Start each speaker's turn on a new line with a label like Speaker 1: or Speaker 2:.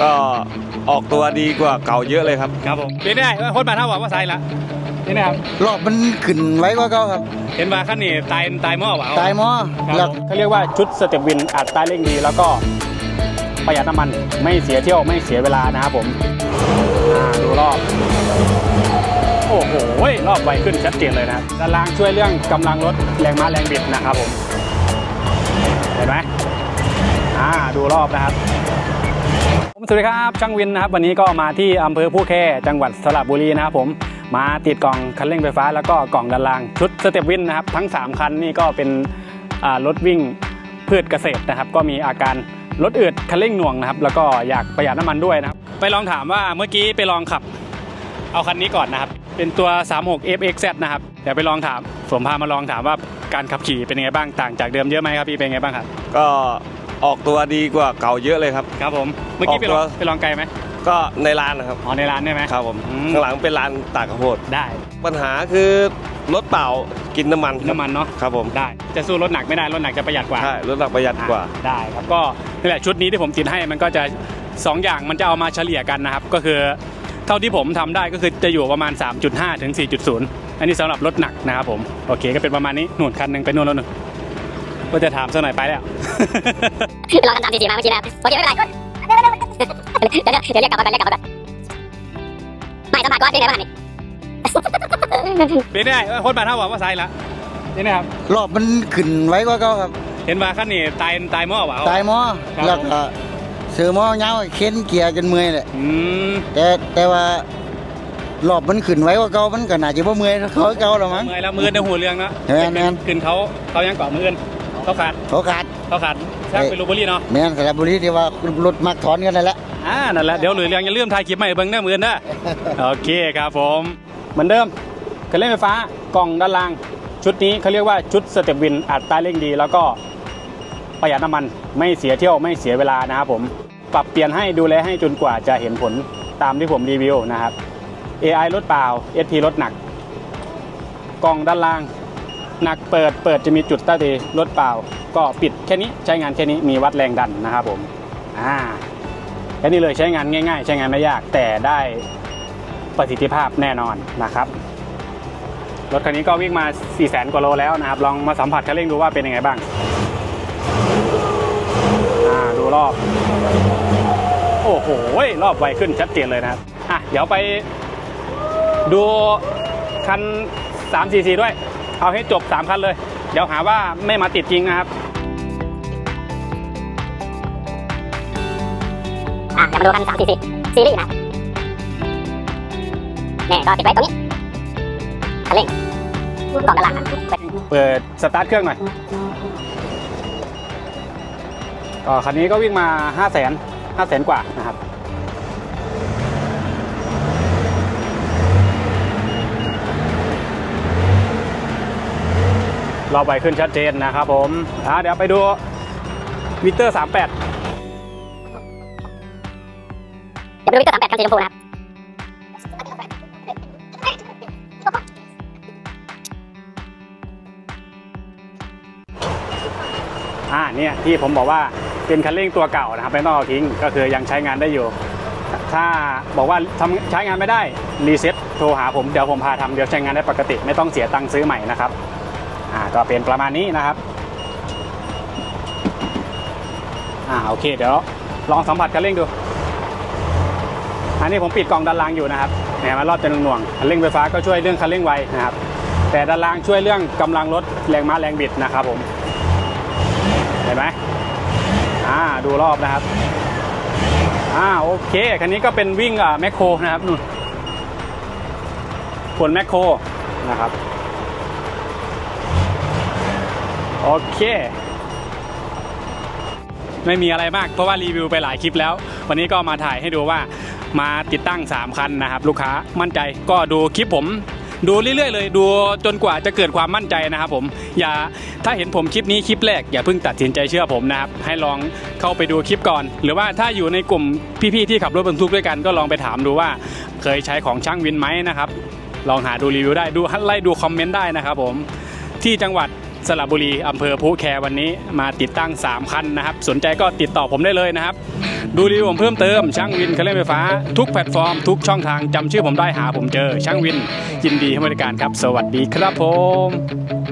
Speaker 1: ก็ออกตัวดีกว่าเก่าเยอะเลยครับ
Speaker 2: ครับผมเป็นได้คนมาเท่าว่าใส่ละนี่นะครับ
Speaker 3: รอบมันขึ้นไว้กว่าเก่าครับ
Speaker 2: เห็นว่าขั้นนี้ตายหม้อวะ
Speaker 3: ตายหม้อ
Speaker 2: แล้วเขาเรียกว่าชุดสเต็ปวินอัดใต้เร่งดีแล้วก็ประหยัดน้ำมันไม่เสียเที่ยวไม่เสียเวลานะครับผมดูรอบโอ้โหรอบไวขึ้นชัดเจนเลยนะด้านล่างช่วยเรื่องกำลังรถแรงม้าแรงบิดนะครับผมเห็นไหมดูรอบนะครับสวัสดีครับช่างวินนะครับวันนี้ก็มาที่อำเภอผู้แค่จังหวัดสระบุรีนะครับผมมาติดกล่องคันเร่งไฟฟ้าแล้วก็กล่องด้านล่างชุดสเต็ปวินนะครับทั้ง3คันนี่ก็เป็นรถวิ่งพืชเกษตรนะครับก็มีอาการรถอืดคันเร่งหน่วงนะครับแล้วก็อยากประหยัดน้ำมันด้วยนะครับไปลองถามว่าเมื่อกี้ไปลองขับเอาคันนี้ก่อนนะครับเป็นตัว 36 FXZ นะครับเดี๋ยวไปลองถามผมพามาลองถามว่าการขับขี่เป็นยังไงบ้างต่างจากเดิมเยอะไหมครับพี่เป็นยังไงบ้างครับ
Speaker 1: ก็ออกตัวดีกว่าเก่าเยอะเลยครับ
Speaker 2: ครับผมเมื่อกี้ไปลองไกลไหม
Speaker 1: ก็ในร้านนะครับ
Speaker 2: ในร้านใช่ไหม
Speaker 1: ครับผมข้างหลังเป็นร้านตากข้าวโพด
Speaker 2: ได้
Speaker 1: ปัญหาคือรถเปล่ากินน้ำมัน
Speaker 2: เนาะ
Speaker 1: ครับผม
Speaker 2: ได้จะสู้รถหนักไม่ได้รถหนักจะประหยัดกว่า
Speaker 1: ใช่รถหนักประหยัดกว่า
Speaker 2: ได้ครับก็นี่แหละชุดนี้ที่ผมติดให้มันก็จะ2อย่างมันจะเอามาเฉลี่ยกันนะครับก็คือเท่าที่ผมทำได้ก็คือจะอยู่ประมาณ 3.5 ถึง 4.0 อันนี้สำหรับรถหนักนะครับผมโอเคก็เป็นประมาณนี้หนุนคันหนึ่งไปนู่นแล้วหนึ่งก็จะถามสักหน่อยไปแล้ว
Speaker 4: รอกัน3 4มาเมื่อกี้แล้วโอเคไม่เป็นไรเดี๋ยวเรียกกลับมาก่อนไม่สมัครก่อนเป็นไงบ้างนี่
Speaker 2: เป็นได้คนมาเท่าว่าใส่ละนี่นะครับ
Speaker 3: รอบมันขึ้นไว้กว่าเก่าครับ
Speaker 2: เห็นว่าขั้นนี้ตายหม้อวะ
Speaker 3: ตายหม้อแล้วก็เสือหม้อเงาเข็นเกียร์จนเมื่อยเลยแต่ว่ารอบมันขึ้นไว้กว่าเก่ามันก็น่าจะบ่เมื่อยเขาเก่าหรอมั้ง
Speaker 2: เมื่อยแล้วมือในหัวเรื่องเนาะขึ้นเขายังเกาะมือเขาขาดช่างเป็นลูบุรีเนาะ
Speaker 3: แม่นสระบุรีที่ว่ารถมักถอนกันนั่นแหละ
Speaker 2: นั่นแหละเดี๋ยวหรือเรื่องอย่าลืมถ่ายคลิปใหม่เบิ้งหน้ามือนะโอเคครับผมเหมือนเดิมคันเร่งไฟฟ้ากล่องด้านล่างชุดนี้เขาเรียกว่าชุดสเต็ปวินอัดใต้เร่งดีแล้วก็ประหยัดน้ำมันไม่เสียเที่ยวไม่เสียเวลานะครับผมปรับเปลี่ยนให้ดูแลให้จนกว่าจะเห็นผลตามที่ผมรีวิวนะครับ AI รถเปล่า SP รถหนักกล่องด้านล่างหนักเปิดจะมีจุดใต้ตีรถเปล่าก็ปิดแค่นี้ใช้งานแค่นี้มีวัดแรงดันนะครับผมแค่นี้เลยใช้งานง่ายๆใช้งานไม่ยากแต่ได้ประสิทธิภาพแน่นอนนะครับรถคันนี้ก็วิ่งมา 400,000 กว่าโลแล้วนะครับลองมาสัมผัสคันเร่งดูว่าเป็นยังไงบ้างดูรอบโอ้โหรอบไวขึ้นชัดเจนเลยนะครับเดี๋ยวไปดูคัน344ด้วยเอาให้จบ3คันเลยเดี๋ยวหาว่าไม่มาติดจริงนะครับ
Speaker 4: เดี๋ยวมาดูคัน344ซีรีส์นะนี่ก็ติดไว้ตรงนี้คันเร่งกล่องด้านล่าง
Speaker 2: เปิดสตาร์ทเครื่องหน่อยก็คันนี้ก็วิ่งมา500,000 กว่านะครับรอบไวขึ้นชัดเจนนะครับผมเดี๋ยวไปดูมิเตอร์38
Speaker 4: เดี๋ยวไปดูมิเตอร์38คันสีชมพูนะครับ
Speaker 2: เนี่ยที่ผมบอกว่าเป็นคันเร่งตัวเก่านะครับไม่ต้องเอาทิ้งก็คือยังใช้งานได้อยู่ถ้าบอกว่าใช้งานไม่ได้รีเซ็ตโทรหาผมเดี๋ยวผมพาทำเดี๋ยวใช้งานได้ปกติไม่ต้องเสียตังค์ซื้อใหม่นะครับก็เป็นประมาณนี้นะครับโอเคเดี๋ยวลองสัมผัสคันเร่งดูอันนี้ผมปิดกล่องด้านล่างอยู่นะครับเนี่ยมารอบจะหน่วงคันเร่งไฟฟ้าก็ช่วยเรื่องคันเร่งไวนะครับแต่ด้านล่างช่วยเรื่องกำลังรถแรงม้าแรงบิดนะครับผมเห็นไหมดูรอบนะครับโอเคคันนี้ก็เป็นวิ่งแมคโครนะครับนู่นขนแมคโครนะครับโอเคไม่มีอะไรมากเพราะว่ารีวิวไปหลายคลิปแล้ววันนี้ก็มาถ่ายให้ดูว่ามาติดตั้ง3คันนะครับลูกค้ามั่นใจก็ดูคลิปผมดูเรื่อยๆเลยดูจนกว่าจะเกิดความมั่นใจนะครับผมถ้าเห็นผมคลิปนี้คลิปแรกอย่าเพิ่งตัดสินใจเชื่อผมนะครับให้ลองเข้าไปดูคลิปก่อนหรือว่าถ้าอยู่ในกลุ่มพี่ๆที่ขับรถบรรทุกด้วยกันก็ลองไปถามดูว่าเคยใช้ของช่างวินไหมนะครับลองหาดูรีวิวได้ดูไล่ดูคอมเมนต์ได้นะครับผมที่จังหวัดสระบุรีอำเภอพุแควันนี้มาติดตั้ง3คันนะครับสนใจก็ติดต่อผมได้เลยนะครับดูรีวิวผมเพิ่มเติมช่างวินเครื่องเล่นไฟฟ้าทุกแพลตฟอร์มทุกช่องทางจำชื่อผมได้หาผมเจอช่างวินยินดีให้บริการครับสวัสดีครับผม